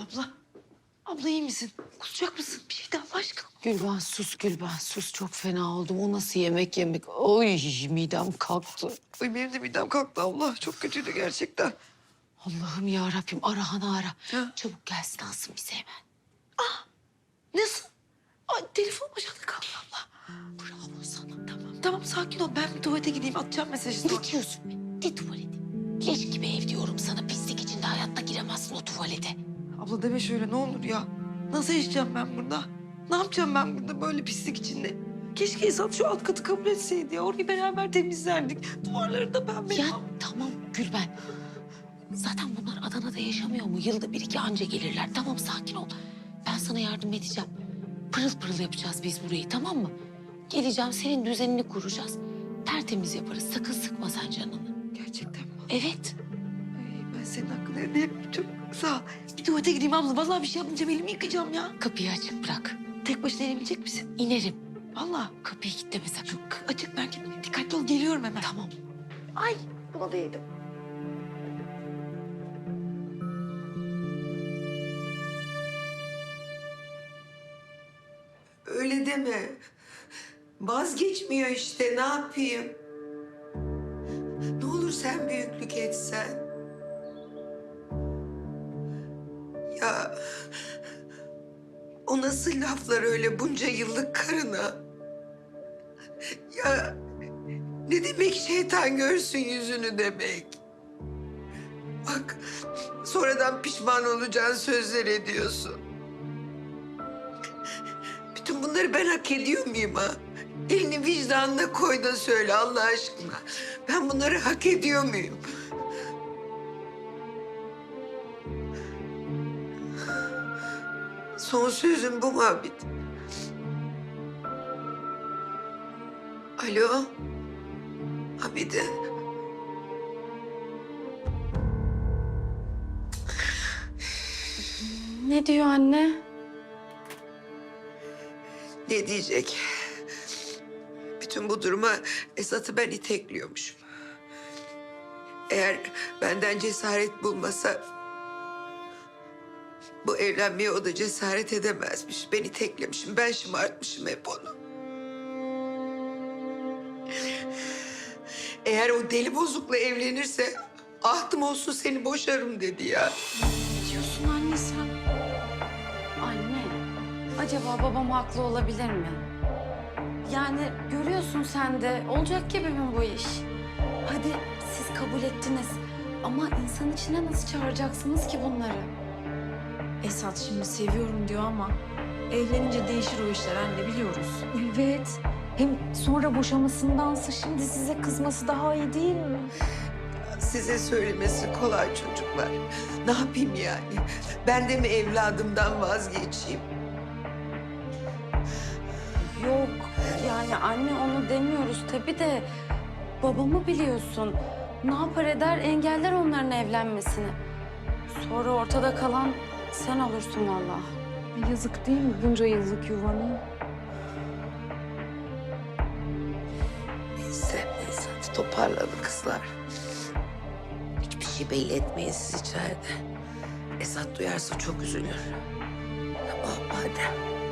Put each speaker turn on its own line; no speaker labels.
Abla, abla iyi misin? Kusacak mısın? Bir şey de Allah aşkına.
Gülben sus, Gülben sus. Çok fena oldum. O nasıl yemek? Oy midem kalktı.
Ay benim de midem kalktı abla. Çok kötüydü gerçekten.
Allah'ım ya Rabbim Arahan'ı ara.
Ha?
Çabuk gelsin alsın bizi hemen.
Nasıl? Ay telefon başında kaldı abla.
Bravo sana.
Tamam tamam sakin ol. Ben bir tuvalete gideyim atacağım mesajı sonra.
Ne diyorsun be? Ne tuvaleti? Leş gibi ev diyorum sana. Pislik içinde hayatta giremezsin o tuvalete.
Abla deme şöyle ne olur ya. Nasıl yaşayacağım ben burada? Ne yapacağım ben burada böyle pislik içinde? Keşke Esat şu alt katı kabul etseydi ya. Orayı beraber temizlerdik. Duvarları da ben
Ya tamam Gülben. Zaten bunlar Adana'da yaşamıyor mu? Yılda bir iki anca gelirler. Tamam sakin ol. Ben sana yardım edeceğim. Pırıl pırıl yapacağız biz burayı tamam mı? Geleceğim senin düzenini kuracağız. Tertemiz yaparız. Sakın sıkma sen canını.
Gerçekten mi?
Evet.
Ay, ben senin hakkını ödeyemem. Çok sağ ol. Bir tuvalete gideyim abla. Vallahi bir şey yapmayacağım. Elimi yıkayacağım ya.
Kapıyı açık bırak.
Tek başına inebilecek misin?
İnerim.
Vallahi.
Kapıyı kilitleme sakın.
Açık belki. Dikkatli ol. Geliyorum hemen.
Tamam.
Ay buna da yedim.
Öyle deme. Vazgeçmiyor işte, ne yapayım? Ne olur sen büyüklük etsen. Ya o nasıl laflar öyle bunca yıllık karına? Ya ne demek şeytan görsün yüzünü demek? Bak sonradan pişman olacağın sözler ediyorsun. Bütün bunları ben hak ediyor muyum ha? Elini vicdanına koy da söyle Allah aşkına. Ben bunları hak ediyor muyum? Son sözüm bu mu Abid? Alo? Abide?
Ne diyor anne?
Ne diyecek? Bütün bu duruma Esat'ı ben itekliyormuşum. Eğer benden cesaret bulmasa... bu evlenmeye o da cesaret edemezmiş. Ben iteklemişim, ben şımartmışım hep onu. Eğer o deli bozukla evlenirse... ahtım olsun seni boşarım dedi ya.
Ne diyorsun anne sen? Anne, acaba babam haklı olabilir mi? Yani görüyorsun sen de olacak gibi mi bu iş? Hadi siz kabul ettiniz ama insan içine nasıl çağıracaksınız ki bunları?
Esat şimdi seviyorum diyor ama evlenince değişir o işler anne biliyoruz.
Evet. Hem sonra boşamasındansa şimdi size kızması daha iyi değil mi?
Size söylemesi kolay çocuklar. Ne yapayım yani? Ben de mi evladımdan vazgeçeyim?
Yok yani anne onu demiyoruz tabii de babamı biliyorsun. Ne yapar eder engeller onların evlenmesini. Sonra ortada kalan sen olursun vallahi.
Yazık değil mi bunca yıllık yuvanı?
Neyse hadi toparlanın kızlar. Hiçbir şey belli etmeyin siz içeride. Esat duyarsa çok üzülür. Tamam hadi.